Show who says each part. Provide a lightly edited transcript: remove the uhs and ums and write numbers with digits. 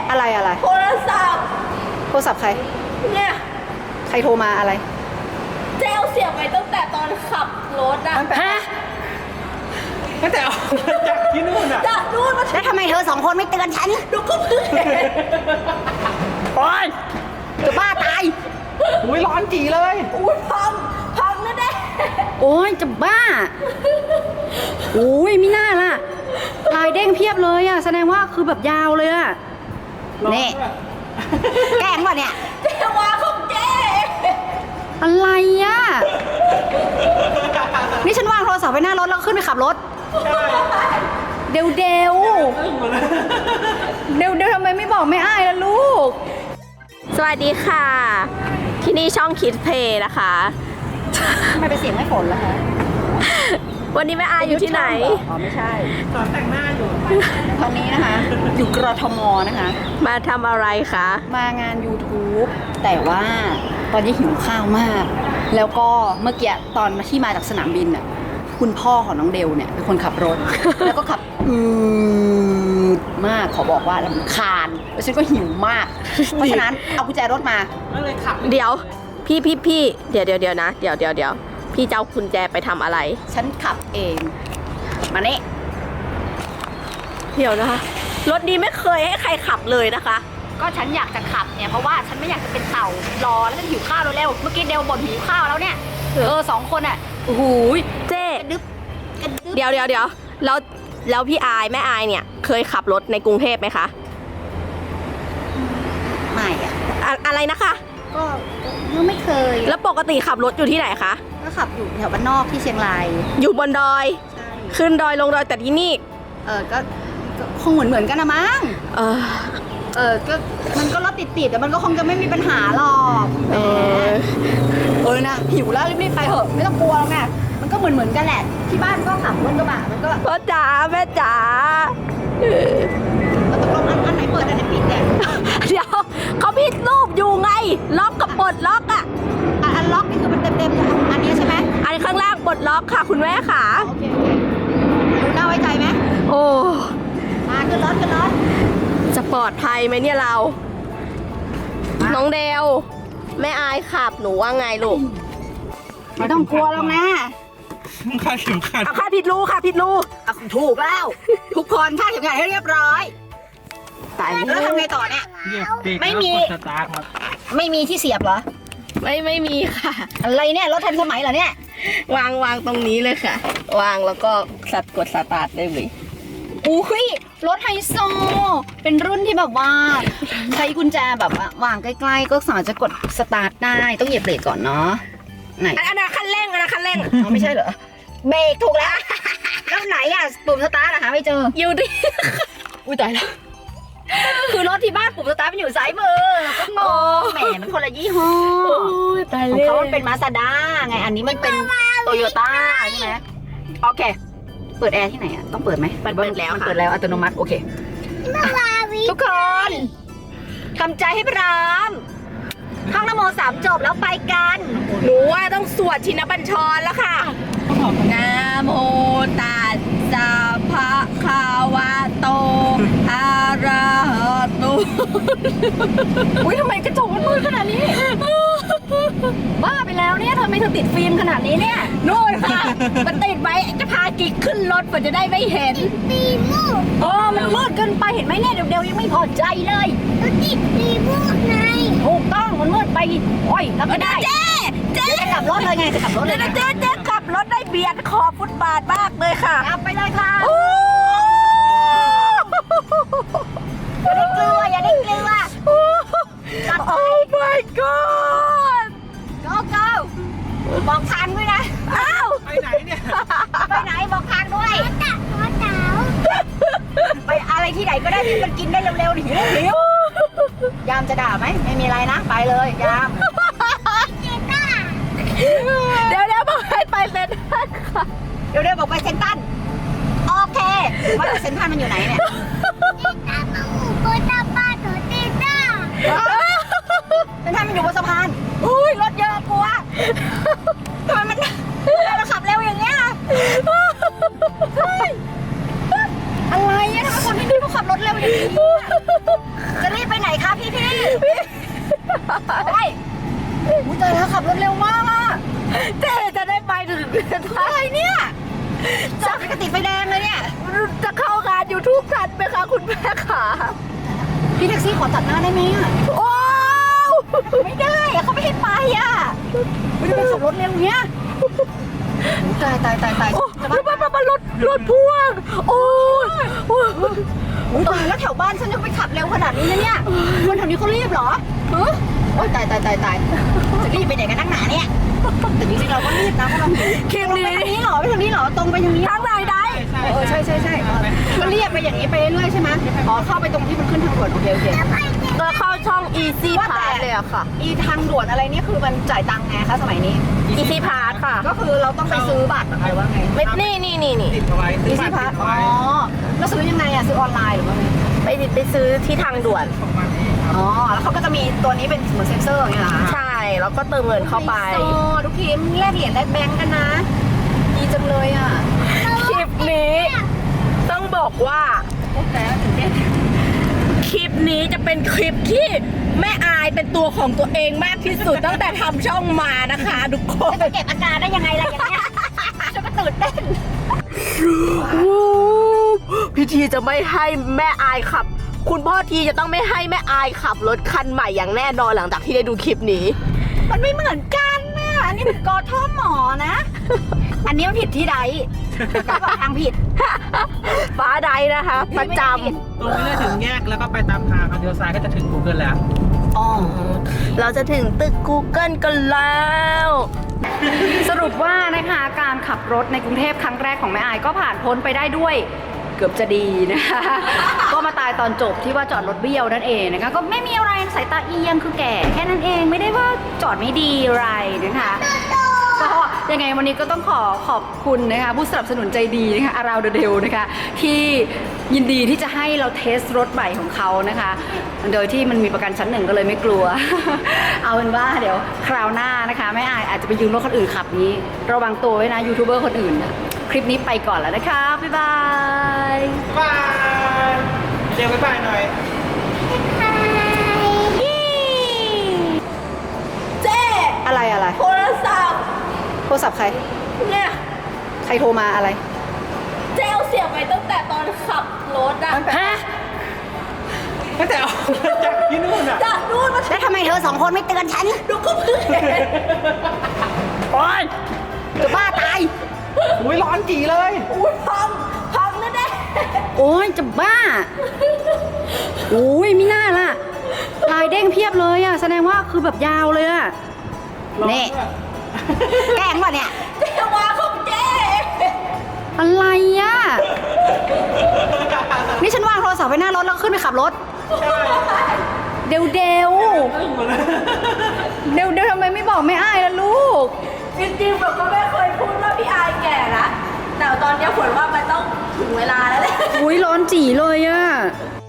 Speaker 1: อะไร
Speaker 2: โทรศัพท์
Speaker 1: ใคร
Speaker 2: เนี่ย
Speaker 1: ใครโทรมาอะไร
Speaker 2: เจลเสียบไปตั้งแต่ตอนขับรถอะ
Speaker 1: ฮะ
Speaker 3: ตั้งแต่ออกจากที่นู่นอ่ะ
Speaker 2: จากนู่นมา
Speaker 1: แล้วทำไมเธอ2 คนไม่เตือนฉัน
Speaker 2: ดูก็เพิ่งเห็น
Speaker 3: โอ๊ย
Speaker 1: จะบ้าตาย
Speaker 3: อุ้ยร้อนจีเลย
Speaker 2: อุ้ยพังแน่
Speaker 1: โอ้ยจะบ้าโอ้ยไม่น่าล่ะลายเด้งเพียบเลยอ่ะแสดงว่าคือแบบยาวเลยอ่ะนี่แกล้งวะเนี่ย
Speaker 2: ๆเจวาของเจ
Speaker 1: อะไรอ่ะนี่ฉันวางโทรศัพท์ไว้หน้ารถแล้วขึ้นไปขับรถเดวทำไมไม่บอกไม่อ้ายล่ะลูก
Speaker 2: สวัสดีค่ะ ที่นี่ช่องคิดเพย์นะคะ
Speaker 1: ทำไมเป็นเสียงไม่ฝนล่ะคะ
Speaker 2: วันนี้แม่อาอยู่ที่ไหน
Speaker 1: อ๋อไม่ใช่
Speaker 3: สอนแต่งหน้าอยู่
Speaker 1: ตอนนี้นะคะ อยู่กรทมนะคะ
Speaker 2: มาทำอะไรคะ
Speaker 1: มางาน YouTube แต่ว่าตอนนี้หิวข้าวมาก แล้วก็เมื่อกี้ตอนที่มาจากสนามบินน่ะคุณพ่อของน้องเดลเนี่ยเป็นคนขับรถ แล้วก็ขับดมากขอบอกว่ารำคาญแล้วฉันก็หิวมาก เพราะฉะนั้นเอากุญแจรถมา
Speaker 3: ก็เลยขับ
Speaker 2: เดี๋ยวพี่เดี๋ยวนะเดี๋ยวพี่จะเอากุญแจไปทำอะไร
Speaker 1: ฉันขับเอง มานี่
Speaker 2: เดี๋ยวนะคะรถนี้ไม่เคยให้ใครขับเลยนะคะ
Speaker 1: ก็ฉันอยากจะขับเนี่ยเพราะว่าฉันไม่อยากจะเป็นเต่ารอแล้วฉันหิวข้าวเร็วๆเมื่อกี้เดลบ่นหิวข้าวแล้วเนี่ย2 คนอ่ะโอ้โห
Speaker 2: เจ๊
Speaker 1: กระดึ๊บกระดึ๊บ
Speaker 2: เดี๋ยวแล้วพี่อายแม่อายเนี่ยเคยขับรถในกรุงเทพไหมคะ
Speaker 1: ไม่อะ
Speaker 2: อะไรนะคะ
Speaker 1: ก็ไม่เคย
Speaker 2: แล้วปกติขับรถอยู่ที่ไหนคะ
Speaker 1: ก็ขับอยู่แถวบ้านนอกที่เชียงราย
Speaker 2: อยู่บนดอย
Speaker 1: ใช่
Speaker 2: ขึ้นดอยลงดอยแต่ที่นี่
Speaker 1: ก็คงเหมือนกันนะมั้ง
Speaker 2: เออ
Speaker 1: ก็มันก็รถติดแต่มันก็คงจะไม่มีปัญหาหรอก
Speaker 2: เออ
Speaker 1: นะหิวแล้วรีบๆไปเถอะไม่ต้องกลัวหรอกนะมันก็เหมือนกันแหละที่บ้านก็ขับรถกระบะมันก็
Speaker 2: พ่อจ๋าแม่จ๋า
Speaker 1: ตกลงอันไหนเปิดอันไหนปิดเนี่ย
Speaker 2: เดี๋ยวเขาพิดรูปอยู่ไง ล็อกกับปลดล็อกอ่ะ
Speaker 1: อันล็อกนี่คือมันเต็มๆอันนี้ใช่ไหม
Speaker 2: อันข้างล่างปลดล็อกค่ะคุณแม่ค่ะ
Speaker 1: โอเคดูน่าไว้ใจไหม
Speaker 2: โอ้
Speaker 1: มาขึ้นรถ
Speaker 2: จะปลอดภัยไหมเนี่ยเรา น้องเดวแม่อายขับหนูว่าไงลูก
Speaker 1: ไม่ต้องกลัวหรอกนะ
Speaker 3: คาดเข็มขัด
Speaker 2: เอาค่าผิดรูค่ะผิดรู
Speaker 1: ถูกแล้ว ทุกคนคาดเข็มขัดให้เรียบร้อย
Speaker 2: ตาย
Speaker 1: แล้วทำไงต่อเนี่ย
Speaker 3: เหยียบเบรก
Speaker 1: ไม่มี
Speaker 3: แล้วกดสตาร์ทครับ
Speaker 1: ไม่มีที่เสียบเหรอ
Speaker 2: ไม่มีค่ะ
Speaker 1: อะไรเนี่ยรถทันสมัยเหรอเนี่ย
Speaker 2: วางตรงนี้เลยค่ะ วางแล้วก็กดสตาร์ทได้เลย
Speaker 1: อุ้ยรถไฮโซ เป็นรุ่นที่แบบว่า ใช้กุญแจแบบว่าวางใกล้ๆ ก็สามารถจะกดสตาร์ทได้ ต้องเหยียบเบรกก่อนเนาะ ไหน
Speaker 2: อันนั้นคันเร่ง
Speaker 1: อ๋อไม่ใช่เหรอ เบรกถูกแล้ว แล้วไหนอ่ะปุ่มสตาร์ทอะหาไม่เจอ
Speaker 2: อยู่ดิ
Speaker 1: อุ้ยตายแล้ว คือรถที่บ้านปุ่มสตาร์ทมันอยู่ซ้ายมือก็งงแหมมันคนละยี่ห้อ
Speaker 2: ตาย
Speaker 1: ของ
Speaker 2: เลย
Speaker 1: เขามันเป็นมาซาด้าไง อันนี้มันเป็นโตโยต้าใช่ไหมโอเค เปิดแอร์ที่ไหนอ่ะ ต้องเปิดไหม
Speaker 2: มันเปิดแล้ว
Speaker 1: มัน
Speaker 2: ค่ะ
Speaker 1: เปิดแล้วอัตโนมัติ โอเค ทุกคนทำใจให้พร้อมท่องนโม3จบแล้วไปกัน
Speaker 2: หนูว่าต้องสวดชินบัญชรแล้วค่ะนะโมตัสสะภะคะวะโตอะระหะโต
Speaker 1: อุ้ยทำไมกระจกมันมืดขนาดนี้ บ้าไปแล้วเนี่ยทำไมเธอติดฟิล์มขนาดนี้เนี่ย
Speaker 2: นู่นค่ะ มันติดไว้จะพากิ๊กขึ้นรถเพื่อจะได้ไม่เห็น
Speaker 1: โอ้มันมืดเกินไปเห็นไหมเนี่ยเดี๋ยวยังไม่พอใจเลยติดฟิล์มไงถูกต้องมันมืดไปโอ้ยรับไม่ได้
Speaker 2: เจ๊เจ๊
Speaker 1: จะกลับรถเลยไงจะกลับรถเลย
Speaker 2: เจ๊ขับรถได้เบียดขอบฟุตบาทมากเลยค่ะ
Speaker 1: กลับไปเลยค่ะ
Speaker 2: โอ้
Speaker 1: อย่าได้กลัวจัดไป
Speaker 2: my god
Speaker 1: go go บอกทางด้วยนะ
Speaker 2: อ้าว
Speaker 3: ไปไหนเนี่ย
Speaker 1: ไปไหนบอกทางด้วยไปอะไรที่ไหนก็ได้ที่มันกินได้เร็วๆหิวยามจะด่าไหมไม่มีอะไรนะไปเลยยาม
Speaker 2: เดี๋ยวบอกให้ไปเซ็นทรัลค่ะ
Speaker 1: เดี๋ยวบอกไปเซนตันโอเคว่าแต่เซนตันมันอยู่ไหนเนี่ยเซนตันมันอยู่บนสะพานอุ้ยรถเยอะกลัวทำไมมันเราขับเร็วอย่างเงี้ยอะไรอะทำไมคนที่นี่เขาขับรถเร็วอย่างนี้จะรีบอะไรเนี่ยจอดไปกระติดไฟแดงเลยเนี่ย
Speaker 2: จะเข้างาน YouTube ทันไหมคะคุณแม่ขา
Speaker 1: พี่แท็กซี่ขอตัดหน้าได้ไหมอ่ะ
Speaker 2: โอ้
Speaker 1: ไม่ได้อะเขาไม่ให้ไปอ่ะไม่ได้ไปขับรถเร็วเนี้ยตายตายตายตาย
Speaker 2: โอ้มันรถพ่วง โอ้ย
Speaker 1: ตายแล้วแถวบ้านฉันยังไปขับเร็วขนาดนี้นะเนี่ยคนแถวนี้เขารีบเหรอฮะโอ้ยตายตายตายตายจะรีบไปไหนกันนักหนาเนี่ยแต่จริงๆเราก็รีบนะเพราะเราหิว
Speaker 2: คลิป
Speaker 1: ตรงไป
Speaker 2: นี้
Speaker 1: ทางนี้เหรอไปทางนี้เหรอตรงไปทางนี้
Speaker 2: ทางไหนได้
Speaker 1: ใช่ใช่ใช่ก็เรียกไปอย่างนี้ไปเรื่อยๆใช่ไหมอ๋อเข้าไปตรงที่มันขึ้นทางด่วนโอเคโอเค
Speaker 2: ก็เข้าช่อง Easy
Speaker 1: ว่าแต่
Speaker 2: Pass เลยอะค่ะ
Speaker 1: อีทางด่วนอะไรนี่คือมันจ่ายตังค์ไงคะสมัยนี้
Speaker 2: Easy Pass ค่ะ
Speaker 1: ก็คือเราต้องไปซื้อบัตรอะไรว่าไง
Speaker 2: ไม่นี่
Speaker 3: ติดเอาไว้ซื้
Speaker 1: อี
Speaker 3: อบั
Speaker 1: ซี่
Speaker 3: ตร
Speaker 1: พา
Speaker 3: ติ
Speaker 1: ส
Speaker 3: ดเอา
Speaker 1: อ๋อ
Speaker 3: ไว้
Speaker 1: แล้วซื้อยังไงอ่ะซื้อออนไลน์หรือว่าไง
Speaker 2: ไปซื้อที่ทางด่วน
Speaker 3: ของมันเองครับ
Speaker 1: อ๋อแล้วเขาก็จะมีตัวนี้เป็นเหมือนเซ็นเซอร์อย่างเงี้ยเหรอคะ
Speaker 2: ใช่ แล้วก็เติมเงินเข้าไป
Speaker 1: โอ้ทุกทีมแลกเหรียญแลกแบงก์กันนะดีจังเลยอ่ะ
Speaker 2: คลิปนี้ ต้องบอกว่า
Speaker 1: แต่ถึงเต้น
Speaker 2: คลิปนี้จะเป็นคลิปที่แม่อายเป็นตัวของตัวเองมากที่สุด ตั้งแต่ทำช่องมานะคะทุกคน
Speaker 1: จะเก็บอาการได้ยังไงล่ะอย่างเงี้ยฉันก็ตื่นเต้น
Speaker 2: พิธีจะไม่ให้แม่อายขับ คุณพ่อทีจะต้องไม่ให้แม่อายขับรถคันใหม่อย่างแน่นอนหลังจากที่ได้ดูคลิปนี้
Speaker 1: มันไม่เหมือนกันนะอันนี้มันกอท่อหมอนะ อันนี้มันผิดที่ใดบอกทางผิด
Speaker 2: ฟ้าใดนะคะ ประจ
Speaker 3: ตรงนี้จะถึงแยกแล้วก็ไปตามทางครับเลี้ยวซ้ายก็จะถึง Google แล้ว
Speaker 1: อ๋อ
Speaker 2: ำเราจะถึงตึก Google กันแล้ว
Speaker 1: สรุปว่านะคะการขับรถในกรุงเทพครั้งแรกของแม่อายก็ผ่านพ้นไปได้ด้วยเกือบจะดีนะคะ ก็มาตายตอนจบที่ว่าจอดรถเบี้ยวนั่นเองนะคะก็ไม่มีอะไรสายตาเอียงคือแก่แค่นั้นเองไม่ได้ว่าจอดไม่ดีอะไรนะคะก็ยังไงวันนี้ก็ต้องขอบคุณนะคะผู้สนับสนุนใจดีนะคะอาราวเดลนะคะที่ยินดีที่จะให้เราเทสรถใหม่ของเขานะคะ โดยที่มันมีประกันชั้นหนึ่งก็เลยไม่กลัว เอาเป็นว่าเดี๋ยวคราวหน้านะคะแม่อายอาจจะไปยืมรถคนอื่นขับนี้ระวังตัวไว้นะยูทูบเบอร์คนอื่นนะคลิปนี้ไปก่อนแล้วนะคะ บ๊ายบาย
Speaker 3: บายเดี๋ยวบ๊ายบายหน่อย
Speaker 2: เจ๊
Speaker 1: อะไร
Speaker 2: โทรศัพท์
Speaker 1: โทรศัพท์ใคร
Speaker 2: เนี่ย
Speaker 1: ใครโทรมาอะไร
Speaker 2: เจ๊เอาเสียบไปตั้งแต่ตอนขับรถอะ
Speaker 1: ฮะ
Speaker 3: ตั้งแต่ออกจากที่นู่นอ่ะ
Speaker 2: จากนู่นมา
Speaker 1: แล้วทำไมเธอสองคนไม่เตือนฉัน
Speaker 2: ดูก็เพิ่งเห็น
Speaker 1: โอ๊ยจะบ้าตาย
Speaker 3: อุ้ยร้อนจีเลย
Speaker 2: อุ้ยพังแล้วแน่
Speaker 1: โอ๊ยจะบ้าโอ้ยไม่น่าล่ะลายเด้งเพียบเลยอ่ะแสดงว่าคือแบบยาวเลยอ่ะนี่แกล้งป่ะเนี่ย
Speaker 2: เจ๊วาของเจ๊
Speaker 1: อะไรอ่ะ นี่ฉันวางโทรศัพท์ไว้หน้ารถแล้วขึ้นไปขับรถ เดี๋ยวทำไมไม่บอกไม่อายล่ะลูก
Speaker 2: จริงๆแบบก็ไม่เคยพูดว่าพี่อายแก่นะแต่ตอนนี้ฝนว่ามันต้องถึงเวลาแล้วแหละ
Speaker 1: อุ้ยร้อนจีเลยอ่ะ